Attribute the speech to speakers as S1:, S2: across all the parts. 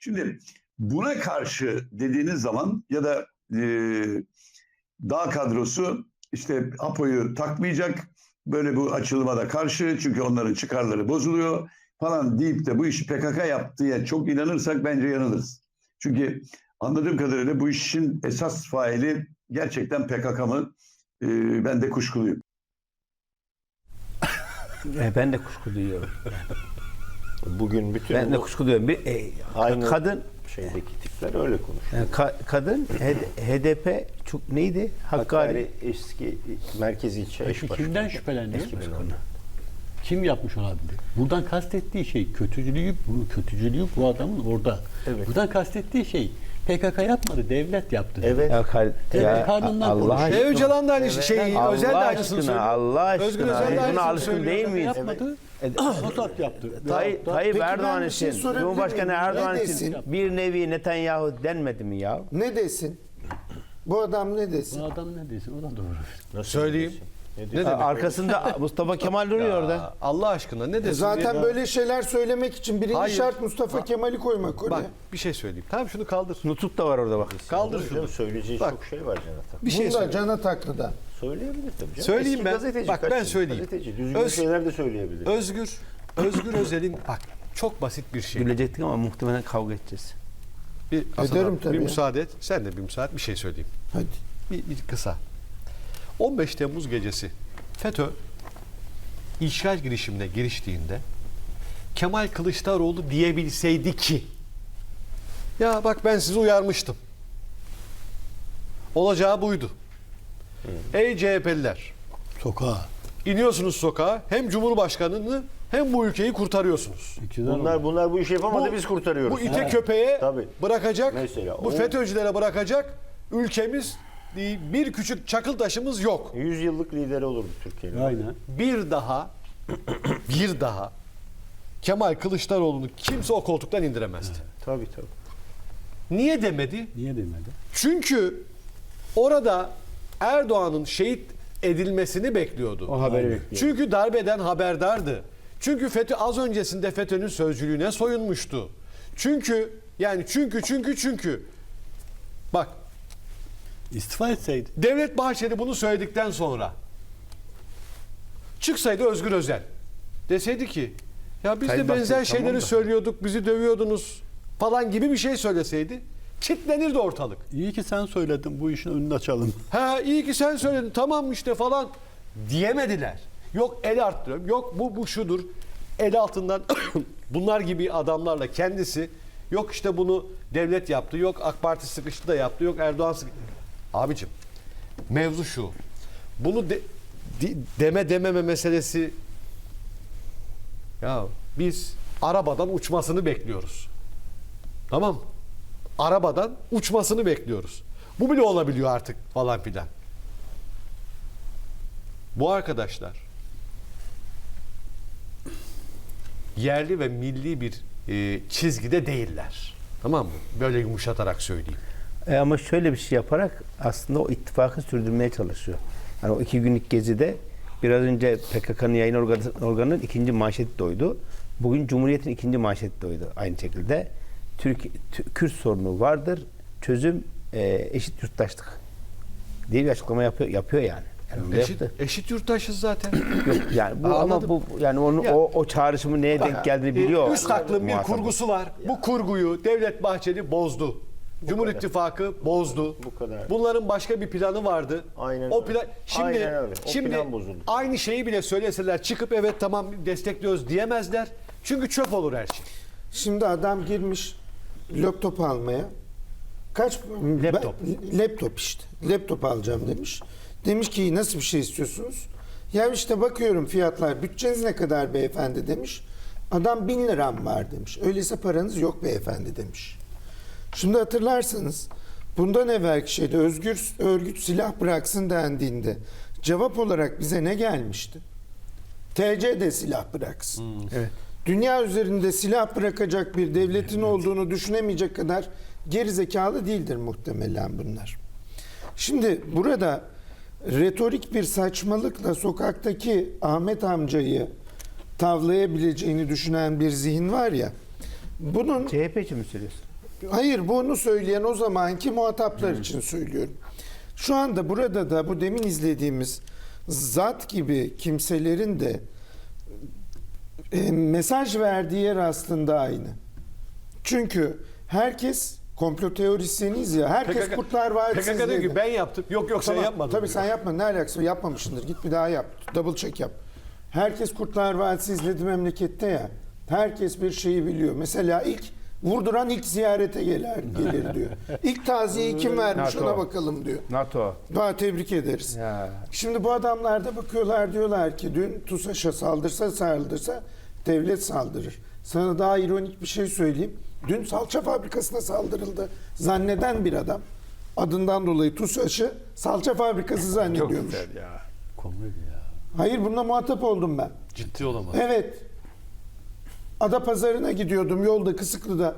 S1: Şimdi buna karşı dediğiniz zaman ya da dağ kadrosu işte APO'yu takmayacak, böyle bu açılıma da karşı çünkü onların çıkarları bozuluyor falan deyip de bu işi PKK yaptığı çok inanırsak bence yanılırız. Çünkü anladığım kadarıyla bu işin esas faili gerçekten PKK mı? Ben de kuşkuluyum.
S2: Ben de kuşku duyuyorum.
S3: Bugün bütün
S2: Ben de kuşku duyuyorum.
S3: aynı
S2: Kadın
S3: şeydeki tipler öyle konuşuyor.
S2: kadın HDP çok neydi?
S3: Hakkari eski merkezi ilçe eş başkanı.
S4: Kimden şüpheleniyor?
S3: Eski başkanı.
S4: Kim yapmış olabilir? Buradan kastettiği şey kötücülüğü bu adamın orada.
S3: Evet.
S4: Buradan kastettiği şey PKK yapmadı, devlet yaptı.
S3: Evet.
S4: Karnından
S2: Allah
S4: konuşuyor.
S5: Öcalan da aynı şey,
S2: Allah
S5: Özel de aynısını
S2: aşkına,
S5: söylüyor.
S2: Allah
S5: Özgür
S2: aşkına.
S5: Özel de
S2: Buna
S5: aynısını
S2: alışkın
S5: söylüyor.
S2: değil miyiz?
S4: Yapmadı. Mossad yaptı.
S2: Tayyip
S6: Peki
S2: Erdoğan
S6: ben bir şey
S2: için,
S6: sorabilir
S2: Cumhurbaşkanı
S6: miyim?
S2: Erdoğan
S6: Ne
S2: için
S6: desin?
S2: bir nevi Netanyahu denmedi mi ya?
S6: Ne desin? Bu adam ne desin?
S4: Bu adam ne desin? O da doğru.
S3: Nasıl
S5: Söyleyeyim.
S3: diyorsun?
S5: Ne demek?
S2: Arkasında Mustafa Kemal duruyor orada.
S5: Allah aşkına ne desin?
S6: Zaten
S5: diye-
S6: böyle şeyler söylemek için birinci
S5: Hayır.
S6: şart Mustafa Kemal'i koymak oraya.
S5: Bak bir şey söyleyeyim. Tamam şunu kaldır.
S2: Nutuk da var orada bak.
S5: Kaldır
S3: Canım,
S5: şunu.
S3: söyleyeceği
S5: Bak.
S3: çok şey var Cenat abi.
S5: Bir şey
S6: Bunda
S5: söyle.
S6: Can Ataklı'da.
S3: Söyleyebilir tabii canım.
S5: Söyleyeyim
S3: Eski
S5: ben.
S3: gazeteci,
S5: Bak,
S3: kaç
S5: ben
S3: yıl
S5: söyleyeyim.
S3: Gazeteci. Düzgün
S5: Öz-
S3: şeyler de söyleyebilir.
S5: Özgür Özel'in bak çok basit bir şey.
S2: Gülecektik ama muhtemelen kavga edeceğiz.
S5: Bir, Hasan
S6: Ederim
S5: abi,
S6: tabii
S5: bir
S6: ya.
S5: müsaade et. Sen de bir müsaade bir şey söyleyeyim.
S6: Hadi.
S5: Bir kısa. 15 Temmuz gecesi FETÖ işgal girişimine giriştiğinde Kemal Kılıçdaroğlu diyebilseydi ki ya bak ben sizi uyarmıştım. Olacağı buydu. Ey CHP'liler
S4: Sokağa.
S5: iniyorsunuz sokağa hem Cumhurbaşkanı'nı hem bu ülkeyi kurtarıyorsunuz.
S3: Bunlar bu işi yapamadı biz kurtarıyoruz.
S5: Bu ite köpeğe
S3: Tabii.
S5: bırakacak,
S3: Mesela
S5: bu
S3: o-
S5: FETÖ'cülere bırakacak ülkemiz bir küçük çakıl taşımız yok.
S3: 100 yıllık lideri olurdu Türkiye'nin.
S4: Aynen.
S5: Bir daha Kemal Kılıçdaroğlu'nu kimse o koltuktan indiremezdi.
S3: Tabii.
S5: Niye demedi?
S4: Niye demedi?
S5: Çünkü orada Erdoğan'ın şehit edilmesini bekliyordu.
S2: O haberi bekliyor.
S5: Çünkü darbeden haberdardı. Çünkü FETÖ az öncesinde FETÖ'nün sözcülüğüne soyunmuştu. Çünkü bak
S4: İstifa etseydi.
S5: Devlet Bahçeli bunu söyledikten sonra çıksaydı Özgür Özel deseydi ki ya biz
S2: Sayın
S5: de benzer
S2: Bahçeli,
S5: şeyleri
S2: tamam da.
S5: söylüyorduk, bizi dövüyordunuz falan gibi bir şey söyleseydi kitlenirdi ortalık.
S4: İyi ki sen söyledin, bu işin önünü açalım.
S5: Ha iyi ki sen söyledin tamam işte falan diyemediler. Yok el arttırıyorum, yok bu şudur. El altından bunlar gibi adamlarla kendisi yok işte bunu devlet yaptı, yok AK Parti sıkıştı da yaptı, yok Erdoğan sıkıştı. Abicim mevzu şu. Bunu dememe meselesi ya biz arabadan uçmasını bekliyoruz. Tamam mı? Arabadan uçmasını bekliyoruz. Bu bile olabiliyor artık falan filan. Bu arkadaşlar yerli ve milli bir çizgide değiller. Tamam mı? Böyle yumuşatarak söyleyeyim.
S2: Ama şöyle bir şey yaparak aslında o ittifakı sürdürmeye çalışıyor. Yani o 2 günlük gezide biraz önce PKK'nın yayın organının 2. manşeti doydu. Bugün Cumhuriyet'in 2. manşeti doydu aynı şekilde. Kürt sorunu vardır. Çözüm eşit yurttaşlık diye bir açıklama yapıyor yani. Yani
S5: Eşit yurttaşız zaten.
S2: Yok, yani bu ama
S5: Anladım.
S2: bu yani onun
S5: Ya-
S2: o çağrışımı neye denk geldiğini biliyor.
S5: Üst aklın bir
S2: muhatap.
S5: kurgusu var. Bu kurguyu Devlet Bahçeli bozdu. Cumhur
S3: kadar.
S5: İttifakı bozdu.
S3: Bu kadar.
S5: Bunların başka bir planı vardı.
S3: Aynen
S5: o
S3: öyle.
S5: plan şimdi
S3: Aynen öyle. O
S5: şimdi
S3: plan bozuldu.
S5: aynı şeyi bile söyleseler çıkıp evet tamam destekliyoruz diyemezler. Çünkü çöp olur her şey.
S6: Şimdi adam girmiş laptop almaya. Kaç?
S5: Laptop.
S6: Laptop işte. Laptop alacağım demiş. Demiş ki nasıl bir şey istiyorsunuz? Ya işte bakıyorum fiyatlar. Bütçeniz ne kadar beyefendi demiş. Adam 1000 liram var demiş. Öyleyse paranız yok beyefendi demiş. Şimdi hatırlarsanız bundan evvelki şeyde özgür örgüt silah bıraksın dendiğinde cevap olarak bize ne gelmişti? TC'de silah bıraksın.
S2: Evet.
S6: Dünya üzerinde silah bırakacak bir devletin olduğunu düşünemeyecek kadar gerizekalı değildir muhtemelen bunlar. Şimdi burada retorik bir saçmalıkla sokaktaki Ahmet amcayı tavlayabileceğini düşünen bir zihin var ya, bunun
S2: CHP için mi söylüyorsun?
S6: Hayır, bunu söyleyen o zamanki muhataplar için söylüyorum. Şu anda burada da bu demin izlediğimiz zat gibi kimselerin de mesaj verdiği yer aslında aynı. Çünkü herkes komplo teorisyeniyiz ya. Herkes Kurtlar Vadisi
S5: PKK diyor
S6: izledi.
S5: ki ben yaptım. Yok yok sen
S6: Tamam,
S5: yapmadın.
S6: tabii
S5: diyor.
S6: sen yapma. Ne alakası var? Yapmamışsındır. Git bir daha yap. Double check yap. Herkes Kurtlar Vadisi izledi memlekette ya. Herkes bir şeyi biliyor. Mesela ilk vurduran ilk ziyarete gelir diyor. İlk taziyeyi kim vermiş
S2: NATO.
S6: ona bakalım diyor.
S2: NATO.
S6: Daha tebrik ederiz.
S2: Ya.
S6: Şimdi bu adamlar da bakıyorlar, diyorlar ki dün TUSAŞ'a saldırsa devlet saldırır. Sana daha ironik bir şey söyleyeyim. Dün salça fabrikasına saldırıldı. Zanneden bir adam adından dolayı TUSAŞ'ı salça fabrikası
S2: Çok
S6: zannediyormuş.
S2: güzel ya.
S4: Komedi ya.
S6: Hayır, bununla muhatap oldum ben.
S5: Ciddi olamaz.
S6: Evet. Adapazarı'na gidiyordum yolda Kısıklı'da.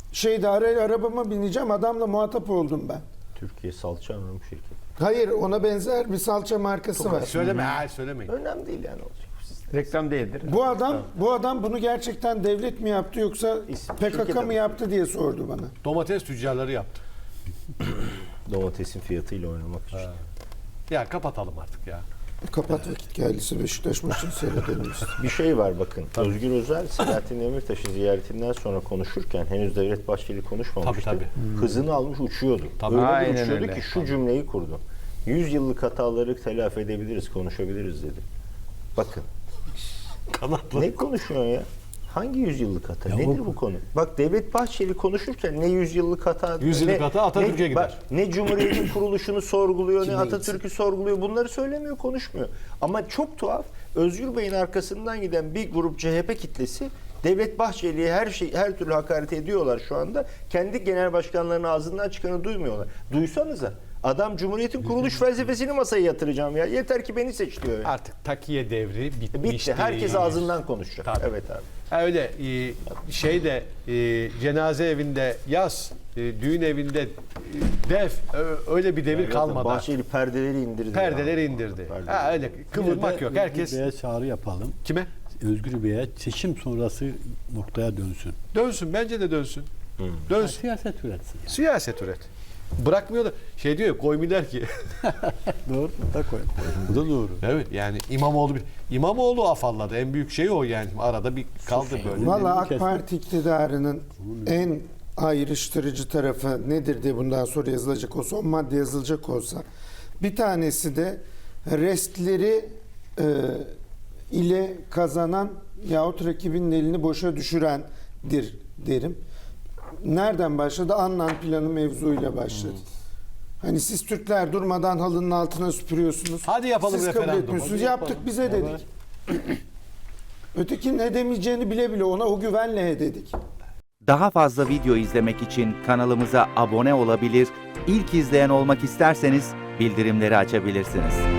S6: Arabama bineceğim, adamla muhatap oldum ben.
S3: Türkiye salça anonim şirketi.
S6: Hayır, ona benzer bir salça markası var.
S5: Söyleme, söylemeyin.
S3: Önemli değil yani olacak.
S2: Reklam değildir.
S6: Bu adam bunu gerçekten devlet mi yaptı yoksa
S3: şirket
S6: PKK mı
S3: adamı.
S6: yaptı diye sordu bana.
S5: Domates tüccarları yaptı.
S3: Domatesin fiyatıyla oynamak için.
S5: Ya kapatalım artık ya.
S6: Kapat, vakit geldiyse Beşiktaş maçını seyredelim biz.
S3: Bir şey var bakın. Özgür Özel Selahattin Demirtaş'ı ziyaretinden sonra konuşurken henüz Devlet Bahçeli konuşmamıştı.
S5: Tabii.
S3: Hızını almış uçuyordu.
S5: Tabii.
S3: Öyle bir
S2: Aynen
S3: uçuyordu
S2: öyle.
S3: ki şu cümleyi kurdu. 100 yıllık hataları telafi edebiliriz, konuşabiliriz dedi. Bakın.
S5: Kanatlı.
S3: Ne konuşuyorsun ya? Hangi 100 yıllık hata?
S4: Ya
S3: Nedir
S4: o-
S3: bu konu? Bak Devlet Bahçeli konuşurken ne 100 yıllık hata...
S5: 100 yıllık
S3: ne-
S5: hata Atatürk'e
S3: ne-
S5: gider.
S3: bak, ne Cumhuriyet'in kuruluşunu sorguluyor, ne
S6: Kime
S3: Atatürk'ü sorguluyor. Bunları söylemiyor, konuşmuyor. Ama çok tuhaf. Özgür Bey'in arkasından giden bir grup CHP kitlesi Devlet Bahçeli'ye her türlü hakaret ediyorlar şu anda. Kendi genel başkanlarının ağzından çıkanı duymuyorlar. Duysanıza. Adam Cumhuriyet'in kuruluş felsefesini masaya yatıracağım ya. Yeter ki beni seç diyor. Ya.
S5: Artık takiye devri bitmişti.
S3: Bitti. Herkes ağzından konuşacak.
S5: Tabii.
S3: Evet abi.
S5: Ha öyle cenaze evinde yaz, düğün evinde def öyle bir devir kalmadı.
S3: Bahçeli perdeleri indirdi.
S5: Perdeleri indirdi. Ha öyle kıvırmak yok. Herkes
S4: Özgür Bey'e çağrı yapalım.
S5: kime?
S4: Özgür Bey'e seçim sonrası noktaya dönsün.
S5: Dönsün. Bence de dönsün.
S4: Ya
S5: Dönsün.
S4: siyaset üretsin. Yani.
S5: Siyaset üret. Bırakmıyor da şey diyor ya koymuyorlar ki.
S4: Doğru. Da koy. Bu da doğru.
S5: Evet yani İmamoğlu afalladı. En büyük şey o yani. Arada bir kaldı böyle.
S6: Valla AK
S4: kesin.
S6: Parti iktidarının en ayrıştırıcı tarafı nedir diye bundan sonra yazılacak olsa, o madde yazılacak olsa, bir tanesi de restleri ile kazanan yahut rakibinin elini boşa düşürendir derim. Nereden başladı? Annan planı mevzuyla başladı. Hani siz Türkler durmadan halının altına süpürüyorsunuz.
S5: Hadi yapalım
S6: Siz kabul
S5: referandum.
S6: etmiyorsunuz.
S4: Hadi
S6: Yaptık
S4: yapalım.
S6: bize
S4: Evet.
S6: dedik. Ötekinin edemeyeceğini bile bile ona o güvenle dedik.
S7: Daha fazla video izlemek için kanalımıza abone olabilir, ilk izleyen olmak isterseniz bildirimleri açabilirsiniz.